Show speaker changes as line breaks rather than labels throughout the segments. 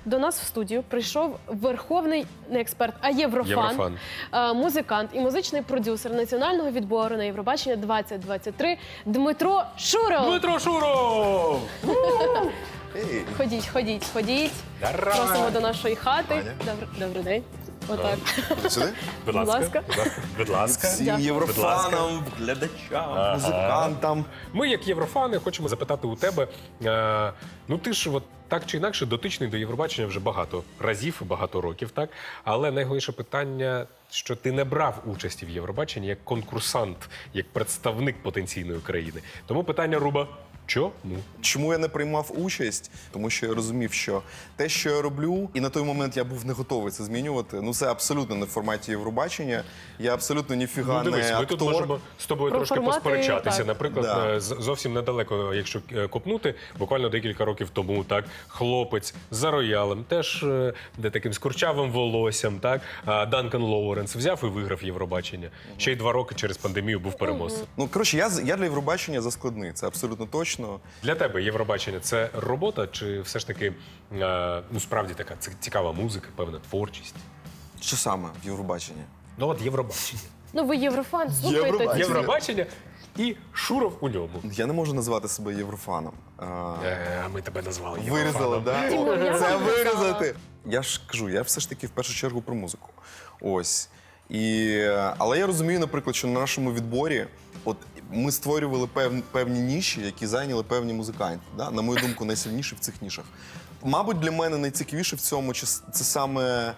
До нас в студію прийшов верховний не експерт, а єврофан, музикант і музичний продюсер національного відбору на Євробачення 2023 Дмитро Шуров.
Дмитро Шуров!
Ходіть. Просимо до нашої хати. Добрий день. Отак.
Сюди?
Будь ласка. Будь ласка.
Всім єврофанам, глядачам, музикантам.
Ми, як єврофани, хочемо запитати у тебе. Ну ти ж от так чи інакше дотичний до Євробачення вже багато разів, багато років, так? Але найголовніше питання, що ти не брав участі в Євробаченні як конкурсант, як представник потенційної країни. Тому питання, Руба, чому?
Чому я не приймав участь? Тому що я розумів, що те, що я роблю, і на той момент я був не готовий це змінювати. Ну це абсолютно не в форматі Євробачення. Я абсолютно ніфіга
Дивись,
не
ми
актор.
тут можемо з тобою
Про
трошки
формати,
посперечатися.
так.
Наприклад,
Да.
зовсім недалеко, якщо копнути, буквально декілька років тому, так, хлопець за роялем, теж де таким з курчавим волоссям, так, Данкан Лоуренс взяв і виграв Євробачення. Ще й 2 роки через пандемію був переможцем.
Ну коротше, я для Євробачення заскладний. Це абсолютно точно.
Для тебе Євробачення – це робота чи все ж таки, ну, справді така цікава музика, певна творчість?
Що саме в Євробаченні?
Ну от Євробачення.
Ну ви єврофан, слухайте.
Євробачення.
Євробачення і Шуров у ньому.
Я не можу назвати себе єврофаном.
Ми тебе назвали
Вирізали,
Єврофаном.
так?
Тимур, я
Це
вам казала.
вирізати. Я ж кажу, я все ж таки в першу чергу про музику. Ось. Але я розумію, наприклад, що на нашому відборі от ми створювали певні ніші, які зайняли певні музиканти. Да? На мою думку, найсильніші в цих нішах. Мабуть, для мене найцікавіше в цьому це саме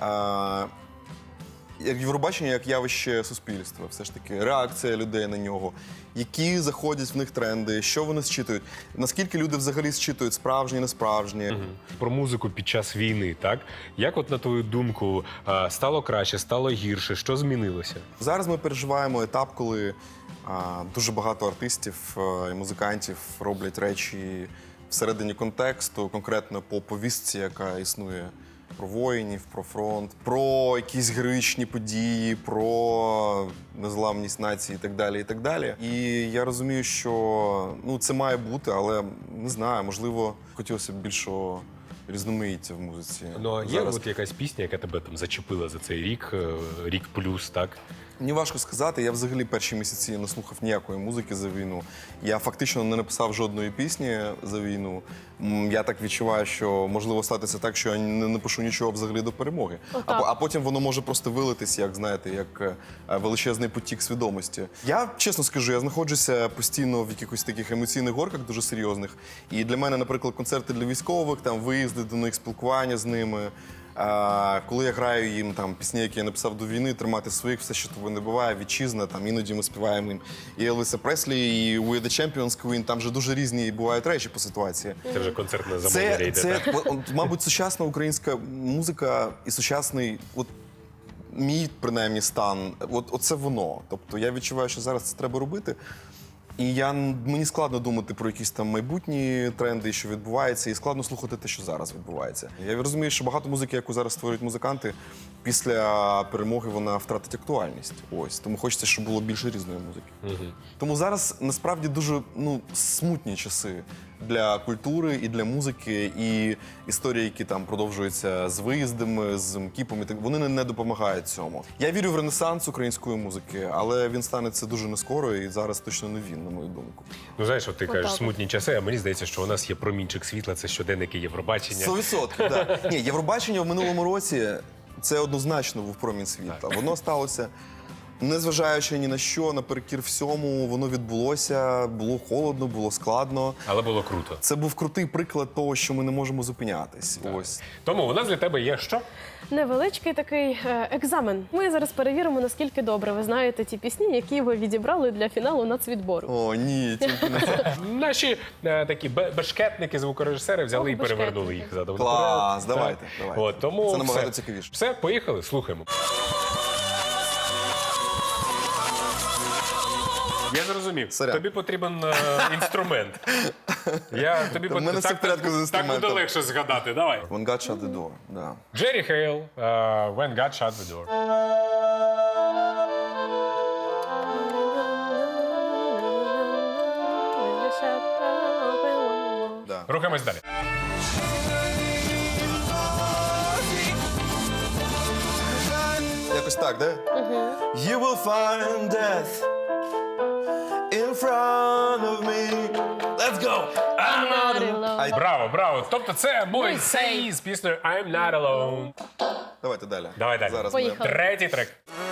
як Євробачення, як явище суспільства. Все ж таки, реакція людей на нього, які заходять в них тренди, що вони зчитують, наскільки люди взагалі зчитують справжні, несправжні.
Про музику під час війни, так? Як от на твою думку, стало краще, стало гірше, що змінилося?
Зараз ми переживаємо етап, коли дуже багато артистів і музикантів роблять речі всередині контексту, конкретно по повістці, яка існує. Про воїнів, про фронт, про якісь героїчні події, про незламність нації і так далі, і так далі. І я розумію, що це має бути, але не знаю, можливо, хотілося б більшого різноманіття в музиці.
Ну, а є от якась пісня, яка тебе там зачепила за цей рік, рік плюс, так?
Мені важко сказати, я взагалі перші місяці не слухав ніякої музики за війну. Я фактично не написав жодної пісні за війну. Я так відчуваю, що можливо статися так, що я не напишу нічого взагалі до перемоги. А потім воно може просто вилитись, як, знаєте, як величезний потік свідомості. Я, чесно скажу, я знаходжуся постійно в якихось таких емоційних горках дуже серйозних. І для мене, наприклад, концерти для військових, там виїзди до них, спілкування з ними. Коли я граю їм там пісні, які я написав до війни, тримати своїх, все, що тобі не буває, вітчизна, там іноді ми співаємо їм і Елвіса Преслі, і We the Champions Queen, там вже дуже різні бувають речі по ситуації.
Це вже концертне замовлення йде, так?
Мабуть, сучасна українська музика і сучасний, от мій, принаймні, стан, оце воно. Тобто я відчуваю, що зараз це треба робити. І мені складно думати про якісь там майбутні тренди, що відбувається, і складно слухати те, що зараз відбувається. Я розумію, що багато музики, яку зараз створюють музиканти, після перемоги вона втратить актуальність. Ось. Тому хочеться, щоб було більше різної музики. Тому зараз насправді дуже смутні часи для культури і для музики, і історії, які там продовжуються з виїздами, з МКІПом, вони не допомагають цьому. Я вірю в ренесанс української музики, але він станеться дуже нескоро, і зараз точно не він, на мою думку.
Ну, знаєш, от ти кажеш смутні часи, а мені здається, що у нас є промінчик світла, це щоденники Євробачення.
100%, так. Ні, Євробачення в минулому році це однозначно був промінь світла. Воно сталося, незважаючи ні на що, наперекір всьому, воно відбулося, було холодно, було складно.
Але було круто.
Це був крутий приклад того, що ми не можемо зупинятись. Ось.
Тому у нас для тебе є що?
Невеличкий такий екзамен. Ми зараз перевіримо, наскільки добре ви знаєте ті пісні, які ви відібрали для фіналу нацвідбору.
О, ні, тільки не це.
Наші такі бешкетники, звукорежисери взяли і перевернули їх задом.
Клас, давайте.
От, тому
Це набагато цікавіше.
Все, поїхали, слухаємо. Я зрозумів.
Сорян.
Тобі потрібен інструмент.
В мене все в порядку з
Так
інструментом.
буде легше згадати. Давай.
When God shut the door. Да.
Джері Хейл, When God Shut the Door.
Да.
Рухаємось далі.
якось так, да? You will find death in front of me. Let's go! I'm not alone.
Браво, браво. Тобто це Мойсей з піснею I'm not alone.
Давайте далі.
Давай далі.
Зараз
Поїхали.
Третій трек.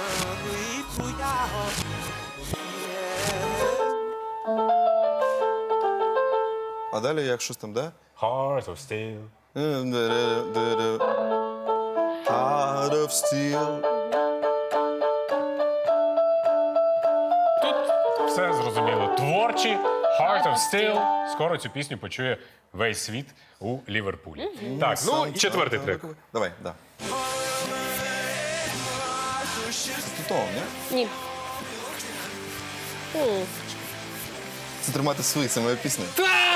А далі як щось там, да?
Heart of Steel.
Heart of steel.
Тут все зрозуміло. Творчі, Heart of Steel. Скоро цю пісню почує весь світ у Ліверпулі. Так, ну і четвертий трек.
Давай, да. Тут, ні?
Ні.
Це тримати свої, це моя пісня.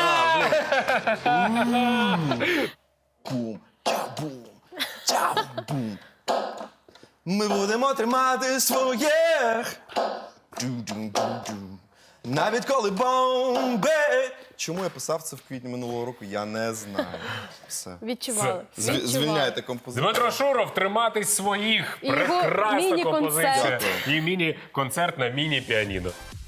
Бум, ча-бум, ча-бум. Ми будемо тримати своє. Ду-ду-ду-ду. Навіть коли бомби. Чому я писав це в квітні минулого року, я не знаю. Все.
Відчували.
Це-
Відчували.
Звільняйте композицію.
Дмитро Шуров, триматись своїх.
І його
Прекрасна
міні-концерт.
композиція. І міні-концерт на міні-піаніно.